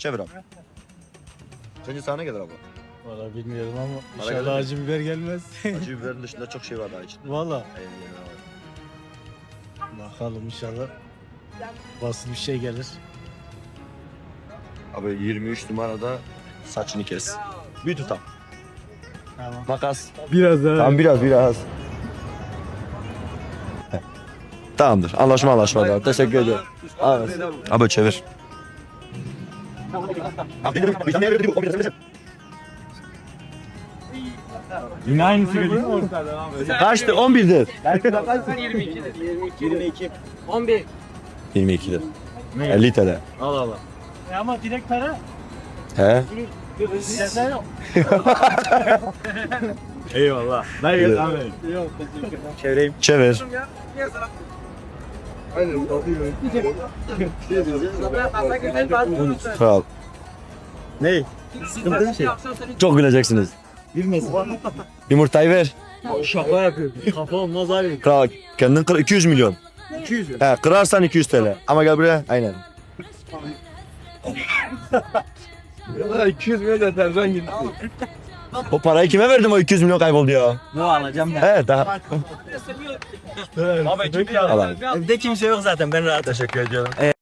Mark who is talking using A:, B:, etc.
A: Çevir abi. Sence sana ne gelir abi?
B: Valla bilmiyorum ama
A: Bana
B: inşallah
A: gelir mi?
B: acı biber gelmez.
A: Acı biberin dışında çok şey var daha içinde.
B: Valla.
A: Eyvallah abi.
B: Bakalım inşallah. Basit bir şey gelir.
A: Abi 23 numarada saçını kes. Bir tutam.
B: Tamam.
A: Makas.
B: Biraz daha.
A: Tamam biraz. Tamamdır. Anlaşma abi. Teşekkür ediyorum. Abi çevir.
B: Yine aynısı geliyor.
A: Kaçtı? 11'dir.
C: 22. 11.
A: 22'dir. 50 TL.
B: Al al. Ama direkt para.
A: He?
B: Sen yok. Eyvallah. Ben
A: Evet.
B: abi. Yok. Çevireyim.
A: Çevir. Kral.
B: Ne? Sıkıntı bir şey.
A: Çok güleceksiniz.
B: Bilmesin.
A: Yumurtayı ver.
B: Şaka yapıyor. Kafa olmaz abi.
A: Kral kendin kır 200 milyon.
B: 200 lira.
A: He kırarsan 200 TL. Ama gel buraya. Aynen.
B: 200 milyon da tercih gitti.
A: O parayı kime verdim o 200 milyon kayboldu ya?
B: Ne alacağım ben?
A: He daha.
B: Abi
A: Al abi.
B: Evde kimse yok zaten ben rahat.
A: Teşekkür ediyorum.